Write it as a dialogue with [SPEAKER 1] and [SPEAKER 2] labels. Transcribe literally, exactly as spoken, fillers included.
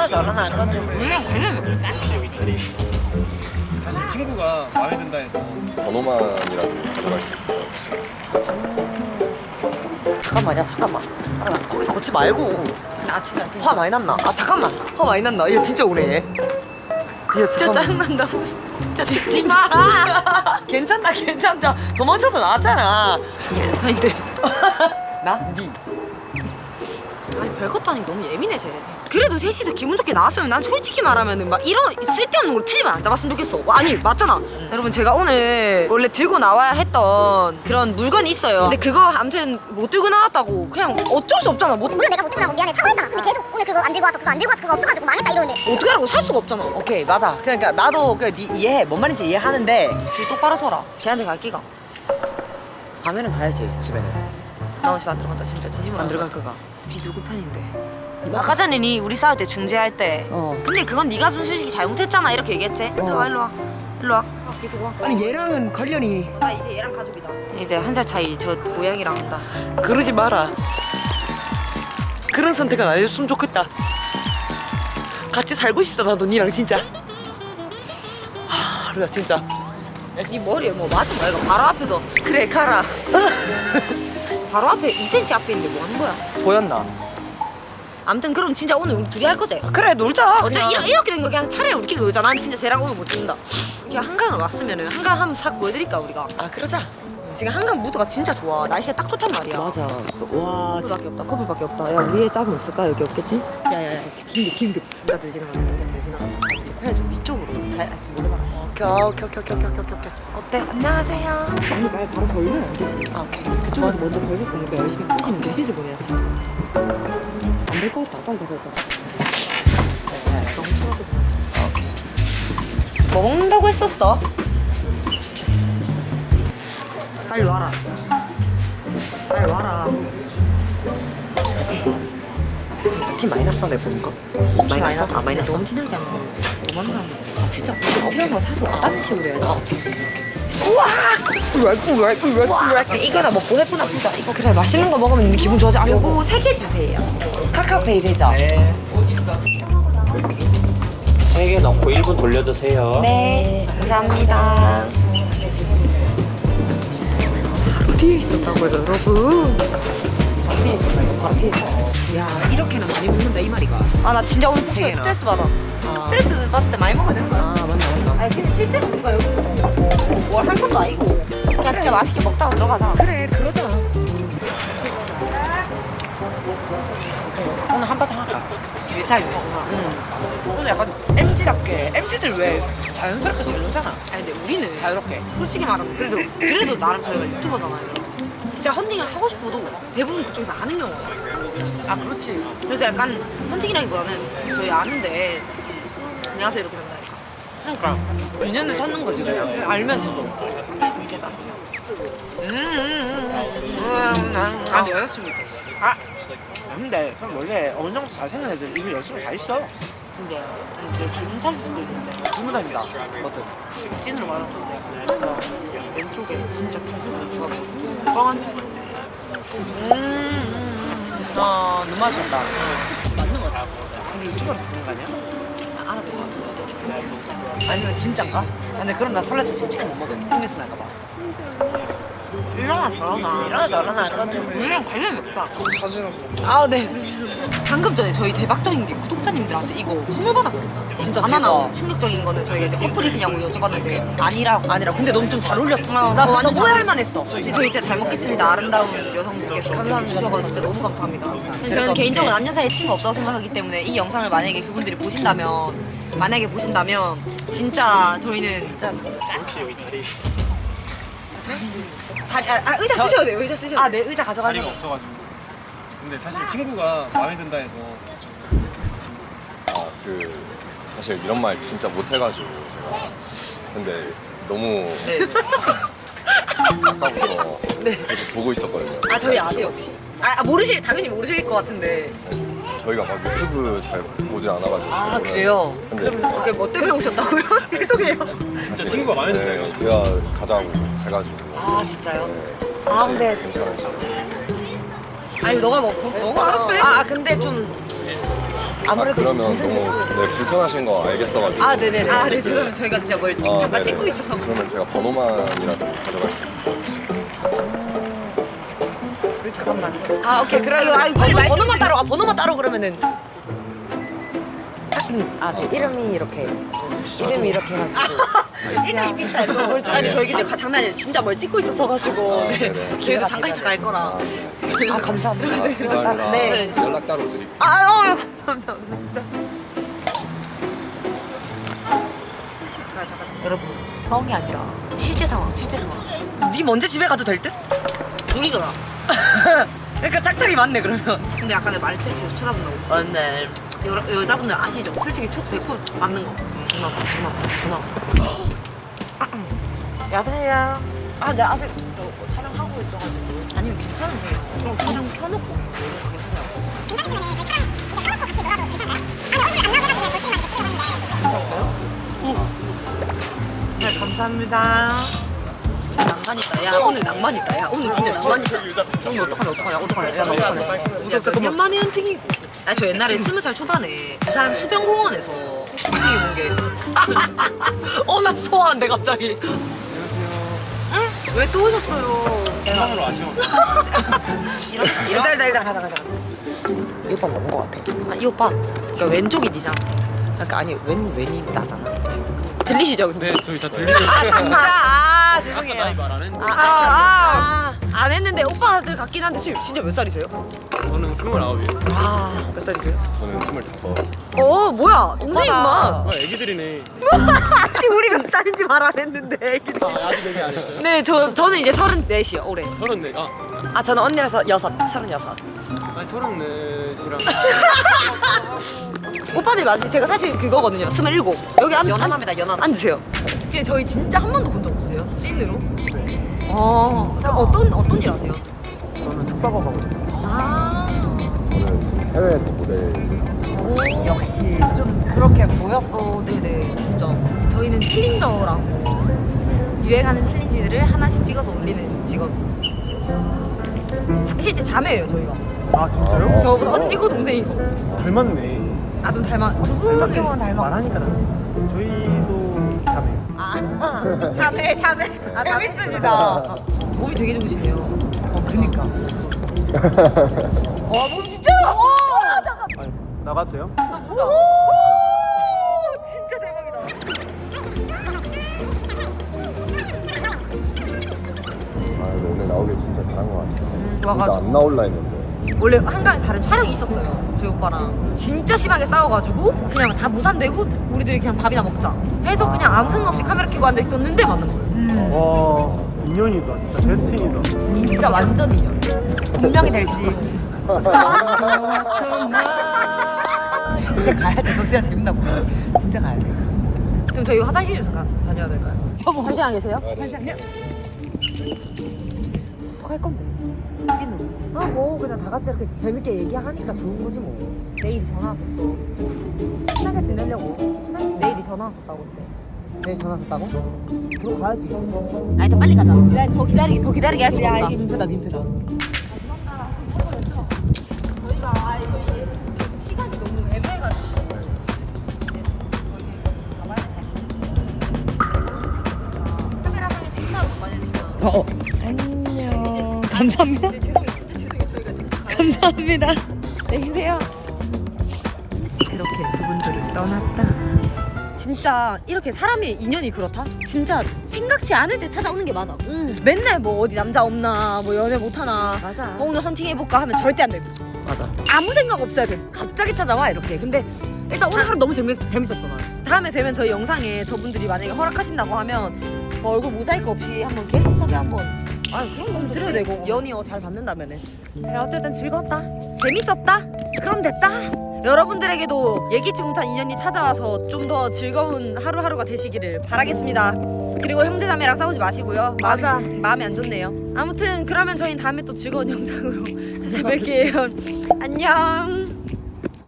[SPEAKER 1] 일어나 저러나 그건 좀
[SPEAKER 2] 우리랑 관련
[SPEAKER 3] 혹시 여기 자리 사실 친구가 마음에 든다 해서
[SPEAKER 4] 번호만이라도 가져갈 수 있어요 혹시?
[SPEAKER 1] 잠깐만 야 잠깐만 아, 거기서 걷지 말고 아 진짜 화 많이 났나? 아 잠깐만 화 많이 났나? 이거 진짜 오래 진짜,
[SPEAKER 2] 진짜 짜증난다고 진짜 듣지 마.
[SPEAKER 1] 괜찮다 괜찮다 도망쳐서 나왔잖아
[SPEAKER 2] 아닌데.
[SPEAKER 1] 나? 니
[SPEAKER 2] 아니 별것도 아니고 너무 예민해 쟤. 그래도 셋이서 기분 좋게 나왔으면 난 솔직히 말하면은 막 이런 쓸데없는 걸 트집을 안 잡았으면 좋겠어. 아니 맞잖아.
[SPEAKER 1] 음.
[SPEAKER 2] 여러분 제가 오늘 원래 들고 나와야 했던 그런 물건이 있어요. 근데 그거 아무튼 못 들고 나왔다고 그냥 어쩔 수 없잖아. 못
[SPEAKER 5] 물론 내가 못 들고 나고 미안해 사과했잖아. 근데 계속 오늘 그거 안 들고 와서 그거 안 들고 와서 그거 없어가지고 망했다 이러는데
[SPEAKER 2] 어떻게 하라고 살 수가 없잖아.
[SPEAKER 1] 오케이 맞아 그러니까 나도 그 니 이해해 뭔 말인지 이해하는데
[SPEAKER 2] 줄 똑바로 서라. 쟤한테 갈 끼가.
[SPEAKER 1] 밤에는 가야지 집에는
[SPEAKER 2] 나 집에 안 들어간다 진짜 진심으로
[SPEAKER 1] 안 들어갈 거가
[SPEAKER 2] 니 누구 편인데? 아까 전에 니 우리 싸울 때 중재할 때
[SPEAKER 1] 어.
[SPEAKER 2] 근데 그건 네가 좀 솔직히 잘못했잖아 이렇게 얘기했지? 일로 와 일로 와 일로 와 계속 와.
[SPEAKER 1] 아니 얘랑은 관련이
[SPEAKER 2] 나 이제 얘랑 가족이다. 이제 한 살 차이 저 고양이랑 한다.
[SPEAKER 1] 그러지 마라 그런 선택은 안 해줬으면 좋겠다 같이 살고 싶다 나도 니랑 진짜 아 그래 진짜
[SPEAKER 2] 네 머리에 뭐 맞은 거야 이거 바로 앞에서 그래 가라. 바로 앞에 이 센티미터 앞에 있는데 뭐 하는 거야?
[SPEAKER 1] 보였나?
[SPEAKER 2] 아무튼 그럼 진짜 오늘 우리 둘이 할 거지?
[SPEAKER 1] 그래 놀자
[SPEAKER 2] 어차피
[SPEAKER 1] 그냥.
[SPEAKER 2] 이러, 이렇게 된 거 그냥 차라리 우리끼리 놀자. 난 진짜 쟤랑 오늘 못 친다. 그냥 한강을 왔으면은 한강 한번 싹 보여드릴까 우리가.
[SPEAKER 1] 아 그러자
[SPEAKER 2] 지금 한강 무드가 진짜 좋아. 날씨가 딱 좋단 말이야.
[SPEAKER 1] 맞아 와
[SPEAKER 2] 커플밖에 없다. 커플밖에 없다. 야 위에 짝은 없을까? 여기 없겠지? 야야야 긴급 긴급. 남자들 지나가. 남자들 지나가. 팔 좀 위쪽으로. 잘 아, 좀 몰래 봐라.
[SPEAKER 1] 오케이 오케이 오케이 오케이 오케이 오케이 어때? 안녕하세요
[SPEAKER 2] 아니 말 바로 걸면 안 되지.
[SPEAKER 1] 아 오케이
[SPEAKER 2] 그쪽에서 먼저 걸릴 거니까 열심히 꼬시면 눈빛을 보내야지. 안 될 것 같다. 빨리 가서 일단. 너무 차가워.
[SPEAKER 1] 오케이
[SPEAKER 2] 뭐 먹는다고 했었어? 빨리 와라. 빨리 와라.
[SPEAKER 1] 팀 마이너스 내 보는 거
[SPEAKER 2] 혹시 마이너스? 아 마이너스 너무 티나게 하면 너무 많나? 아 진짜 우리가 필요한 거 사서 왔다는 식으로 해야지. 우와! 이거나 먹고 해보나 보다. 이거 그래 맛있는 거 먹으면 기분 좋아져. 아, 요거 세 개 주세요.
[SPEAKER 1] 카카오페이 되죠?
[SPEAKER 3] 네. 세 개 넣고 일 분 돌려주세요.
[SPEAKER 2] 네, 감사합니다. 바로 뒤에 있었다고요, 여러분. 바로 뒤에 있었어.
[SPEAKER 1] 야 이렇게는 많이 먹는다 이 말이가
[SPEAKER 2] 아, 나 진짜 오늘
[SPEAKER 1] 세 개나.
[SPEAKER 2] 스트레스 받아.
[SPEAKER 1] 아.
[SPEAKER 2] 스트레스 받을 때 많이 먹어야 되는 거야.
[SPEAKER 1] 아 맞나 맞나
[SPEAKER 2] 아니, 근데 실제로 우리가 여기서 뭘 할 것도 아니고. 그냥 진짜 맛있게 먹다가 들어가자.
[SPEAKER 1] 그래 그러자 오늘 한바탕 할까?
[SPEAKER 2] 일차일 먹나?
[SPEAKER 1] 응 오늘 약간 엠지답게 엠지들 왜 자연스럽게 잘 놀잖아
[SPEAKER 2] 아니, 근데 우리는
[SPEAKER 1] 자유롭게
[SPEAKER 2] 솔직히 말하면 그래도 그래도 나름 저희가 유튜버잖아요. 진짜 헌팅을 하고 싶어도 대부분 그쪽에서 아는 경우가 많아요.
[SPEAKER 1] 아 그렇지
[SPEAKER 2] 그래서 약간 헌팅이라기보다는 저희 아는데 안녕하세요 이렇게 된다니까.
[SPEAKER 1] 그러니까 인연을 찾는 거지 그냥 그냥 알면서도
[SPEAKER 2] 이렇게 나.
[SPEAKER 1] 아니 여자친구 있어 아 근데 그럼 원래 어느 정도 잘생긴 애들 이미 열심히 다 있어
[SPEAKER 2] 근데 내 주름 찾을 수도 있는데
[SPEAKER 1] 주문합니다 뭐든
[SPEAKER 2] 찐으로 말하는 건데 그래서 왼쪽에 진짜 계속 좋아. 뻥한 척.
[SPEAKER 1] 음 진짜 아 눈 맞췄다
[SPEAKER 2] 맞는 거 같아.
[SPEAKER 1] 우리 유튜버라서 그런 거 아니야?
[SPEAKER 2] 아, 알아본 거 같아.
[SPEAKER 1] 아니면 진짠가? 근데 그럼 나 설레서 지금 치킨 못 먹어 홈에서 날까봐
[SPEAKER 2] 일어나 저러나.
[SPEAKER 1] 일어나 저러나 그건 좀
[SPEAKER 2] 우리랑 관련이 없다.
[SPEAKER 1] 아네
[SPEAKER 2] 방금 전에 저희 대박적인 게 구독자님들한테 이거 선물 받았어요.
[SPEAKER 1] 진짜
[SPEAKER 2] 바나나
[SPEAKER 1] 대박.
[SPEAKER 2] 충격적인 거는 저희가 이제 커플이시냐고 여쭤봤는데 아니라고.
[SPEAKER 1] 아니라 근데 너무 좀 잘 어울렸어
[SPEAKER 2] 어,
[SPEAKER 1] 나
[SPEAKER 2] 나 완전
[SPEAKER 1] 잘
[SPEAKER 2] 오해할
[SPEAKER 1] 어울렸어.
[SPEAKER 2] 만했어. 솔직히 저희 진짜 잘 먹겠습니다. 아름다운 여성분께서
[SPEAKER 1] 감사합니다.
[SPEAKER 2] 주셔서 진짜 너무 감사합니다.
[SPEAKER 1] 제가
[SPEAKER 2] 저는
[SPEAKER 1] 또
[SPEAKER 2] 개인적으로
[SPEAKER 1] 네.
[SPEAKER 2] 남녀 사이에 친구 없다고 생각하기 때문에 이 영상을 만약에 그분들이 보신다면 만약에 보신다면 진짜 저희는 진짜
[SPEAKER 3] 혹시 여기 자리
[SPEAKER 2] 자리 아, 아 의자 쓰셔도 돼요. 의자 쓰셔도 돼요. 아, 네 의자
[SPEAKER 3] 자리가
[SPEAKER 2] 가져가셔도
[SPEAKER 3] 없어가지고. 근데 사실 친구가 마음에 든다 해서
[SPEAKER 4] 아 그 사실 이런 말 진짜 못해가지고 제가 근데 너무
[SPEAKER 2] 네.
[SPEAKER 4] 아까부터 계속 보고 있었거든요.
[SPEAKER 2] 아 저희 아세요 혹시? 아, 아 모르실 당연히 모르실 것 같은데.
[SPEAKER 4] 저희가 막 유튜브 잘 보질 않아가지고.
[SPEAKER 1] 아 그래요?
[SPEAKER 4] 근데
[SPEAKER 2] 그게 뭐 때문에 오셨다고요? 죄송해요.
[SPEAKER 3] 진짜 친구가 마음에 든다
[SPEAKER 4] 네,
[SPEAKER 3] 해서
[SPEAKER 4] 제가 가장 해가지고.
[SPEAKER 1] 아 진짜요?
[SPEAKER 4] 네,
[SPEAKER 1] 아,
[SPEAKER 4] 혹시
[SPEAKER 1] 근데-
[SPEAKER 4] 괜찮으시죠?
[SPEAKER 2] 아니 너가 뭐 너가 알아서 해.
[SPEAKER 1] 아 근데 좀 아무래도
[SPEAKER 4] 아, 그러면
[SPEAKER 1] 동생들.
[SPEAKER 4] 너무 네, 불편하신 거 알겠어가지고.
[SPEAKER 1] 아, 네네네.
[SPEAKER 2] 아, 네, 죄송해요. 저희가 진짜 뭘
[SPEAKER 4] 아,
[SPEAKER 2] 잠깐
[SPEAKER 4] 네네.
[SPEAKER 2] 찍고 있어서.
[SPEAKER 4] 그러면 제가 번호만이라도 가져갈 수 있을까요 혹시?
[SPEAKER 1] 잠깐만. 아, 오케이. 그럼
[SPEAKER 2] 아이고, 아이고, 빨리
[SPEAKER 1] 번호,
[SPEAKER 2] 말씀
[SPEAKER 1] 번호만
[SPEAKER 2] 좀-
[SPEAKER 1] 따로. 아, 번호만 따로 그러면은. 아, 저 이름이 이렇게. 이름이 이렇게 해가지고.
[SPEAKER 2] 일단 비슷해요. 아니 저희 근데 가- 장난 아니라 진짜 뭘 찍고 있었어가지고
[SPEAKER 4] 아,
[SPEAKER 2] 네.
[SPEAKER 4] 네네.
[SPEAKER 2] 기회도 잠깐 있다 갈 거라.
[SPEAKER 4] 아, 네.
[SPEAKER 1] 아, 감사합니다.
[SPEAKER 4] 감사합니다.
[SPEAKER 1] 네.
[SPEAKER 4] 연락 따로 드릴게요.
[SPEAKER 1] 아, 어, 감사합니다.
[SPEAKER 2] 잠깐 잠깐.
[SPEAKER 1] 여러분, 뻥이 아니라 실제 상황, 실제 상황. 니 먼저 집에 가도 될 듯?
[SPEAKER 2] 동이더라.
[SPEAKER 1] 그러니까 짝짝이 맞네 그러면.
[SPEAKER 2] 근데 약간 내 말투를 계속 쳐다본다고.
[SPEAKER 1] 맞네.
[SPEAKER 2] 여, 여자분들 아시죠? 솔직히 촉 백 퍼센트 맞는 거. 전화 왔다, 전화 왔다, 전화 왔다.
[SPEAKER 1] 여보세요. 아, 네 아직
[SPEAKER 2] 저 촬영하고 있어가지고. 아니면 괜찮으세요? 어, 촬영 켜놓고 괜찮냐고. 괜찮을까요? 네, 감사합니다. 낭만 있다. 야, 오늘 낭만 있다. 야, 오늘 진짜 낭만 있다. 오늘 어떡하냐, 어떡하냐, 어떡하냐. 야, 나 어떡하냐. 무섭다. 오랜만에 헌팅이. 아, 저 옛날에 스무 살 초반에 부산 수변공원에서 헌팅해 본 게.
[SPEAKER 1] 어, 나 소화한데 갑자기.
[SPEAKER 2] 왜 또 오셨어요?
[SPEAKER 3] 세상으로 아쉬워.
[SPEAKER 2] 이런,
[SPEAKER 1] 일단 일단 일단 가자 가자. 이 오빠 넘은 거 같아.
[SPEAKER 2] 아, 이 오빠. 그러니까 왼쪽이 니잖아.
[SPEAKER 1] 그러니까 아니 왼 왼이 나잖아.
[SPEAKER 2] 들리시죠, 근데?
[SPEAKER 3] 네, 저희 다 들리는.
[SPEAKER 1] 진짜 아 죄송해요.
[SPEAKER 3] 나이 말하는.
[SPEAKER 2] 아, 아, 안 했는데 오빠들 같긴 한데 지금 진짜 몇 살이세요?
[SPEAKER 3] 저는 스물아홉이에요.
[SPEAKER 1] 아
[SPEAKER 2] 몇 살이세요?
[SPEAKER 4] 저는 스물다섯.
[SPEAKER 2] 어, 뭐야, 동생이구나.
[SPEAKER 3] 아, 애기들이네.
[SPEAKER 2] 아직 우리 몇 살인지 말 안 했는데. 애기들.
[SPEAKER 3] 아, 아직 얘기 안 했어요?
[SPEAKER 2] 네, 저 저는 이제 서른넷이요, 올해.
[SPEAKER 3] 서른네. 아,
[SPEAKER 2] 아, 저는 언니라서 여섯, 서른여섯.
[SPEAKER 3] 아니 서른넷이랑.
[SPEAKER 2] 오빠들 맞지? 제가 사실 그거거든요. 스물일곱. 여기 앉,
[SPEAKER 1] 연하남이다 연하남.
[SPEAKER 2] 앉으세요. 근데 저희 진짜 한 번도 본 적 없어요. 찐으로. 어, 그럼 어떤 어떤 일 하세요?
[SPEAKER 3] 저는 숙박업 하고 있어요.
[SPEAKER 2] 아,
[SPEAKER 4] 저는 해외에서 모델.
[SPEAKER 1] 역시 좀 그렇게 보였어.
[SPEAKER 2] 네네, 진짜. 저희는 챌린저라고 유행하는 챌린지들을 하나씩 찍어서 올리는 직업. 자, 실제 자매예요, 저희가.
[SPEAKER 3] 아, 진짜요?
[SPEAKER 2] 저보다 언니고 동생이고.
[SPEAKER 3] 닮았네.
[SPEAKER 2] 아, 좀 닮아. 두 분은
[SPEAKER 1] 성격은 닮아.
[SPEAKER 3] 말하니까 닮네. 저희도 자매요.
[SPEAKER 1] 아
[SPEAKER 2] 자매, 자매. 아,
[SPEAKER 1] 재밌으시다.
[SPEAKER 2] 몸이 되게 좋으시네요.
[SPEAKER 1] 어 그니까. 와몸 진짜. 와.
[SPEAKER 3] 아니, 나가도 돼요?
[SPEAKER 2] 진짜 대박이다.
[SPEAKER 4] 아 근데 오늘 나오길 진짜 잘한 것 같아요. 진짜
[SPEAKER 2] 와가지고.
[SPEAKER 4] 안 나올라 했는데.
[SPEAKER 2] 원래 한강에 다른 촬영이 있었어요, 저희 오빠랑. 진짜 심하게 싸워가지고 그냥 다 무산되고 우리들이 그냥 밥이나 먹자 해서 그냥 아무 생각 없이 카메라 켜고 앉아있었는데 만난 거예요.
[SPEAKER 1] 음.
[SPEAKER 3] 와, 인연이다. 진짜 데스티니다.
[SPEAKER 1] 진짜 완전 인연. 분명히 될지. 진짜 가야 돼. 너 진짜 재밌나 보네. 진짜 가야 돼.
[SPEAKER 2] 그럼 저희 화장실 잠깐 다녀야 될까요? 잠시만 계세요?
[SPEAKER 1] 잠시만요.
[SPEAKER 2] 또 할 건데 찐으로.
[SPEAKER 1] 아 뭐 그냥 다 같이 이렇게 재밌게 얘기하니까 좋은 거지 뭐.
[SPEAKER 2] 내일이 전화 왔었어.
[SPEAKER 1] 친하게 지내려고. 친하게 지내.
[SPEAKER 2] 내일이 전화 왔었다고 근데.
[SPEAKER 1] 내일 전화 왔다고? 들어가야지 이제.
[SPEAKER 2] 아, 일단 빨리 가자. 기다리, 더 기다리게 더 기다리게 할 수가
[SPEAKER 1] 야
[SPEAKER 2] 없다.
[SPEAKER 1] 이게 민폐다 민폐다.
[SPEAKER 2] 저희가 아 저희 시간이 너무 애매해가지고. 카메라상에서 인사 한번 많이 해주시면.
[SPEAKER 1] 어.
[SPEAKER 2] 안녕.
[SPEAKER 1] 감사합니다.
[SPEAKER 2] 네, 죄송해요, 진짜 죄송해요. 저희가 진짜.
[SPEAKER 1] 감사합니다.
[SPEAKER 2] 안녕히 계세요. 이렇게 그분들을 떠났다. 진짜 이렇게 사람의 인연이 그렇다? 진짜 생각지 않을 때 찾아오는 게 맞아.
[SPEAKER 1] 음.
[SPEAKER 2] 맨날 뭐 어디 남자 없나, 뭐 연애 못하나,
[SPEAKER 1] 맞아.
[SPEAKER 2] 어, 오늘 헌팅 해볼까 하면 절대 안 되고.
[SPEAKER 1] 맞아.
[SPEAKER 2] 아무 생각 없어야 돼. 갑자기 찾아와 이렇게. 근데 일단 오늘 하루 너무 재밌, 재밌었어 나. 다음에 되면 저희 영상에 저분들이 만약에 허락하신다고 하면 뭐 얼굴 모자이크 없이 한번 게스트 섭외 한번
[SPEAKER 1] 아 그럼 너무
[SPEAKER 2] 드려도 되고 연이어 잘 받는다면은. 그래 어쨌든 즐거웠다. 재밌었다. 그럼 됐다. 여러분들에게도 예기치 못한 인연이 찾아와서 좀 더 즐거운 하루하루가 되시기를 바라겠습니다. 그리고 형제자매랑 싸우지 마시고요.
[SPEAKER 1] 맞아.
[SPEAKER 2] 마음이, 마음이 안 좋네요. 아무튼 그러면 저희는 다음에 또 즐거운 영상으로 찾아뵐게요. 안녕.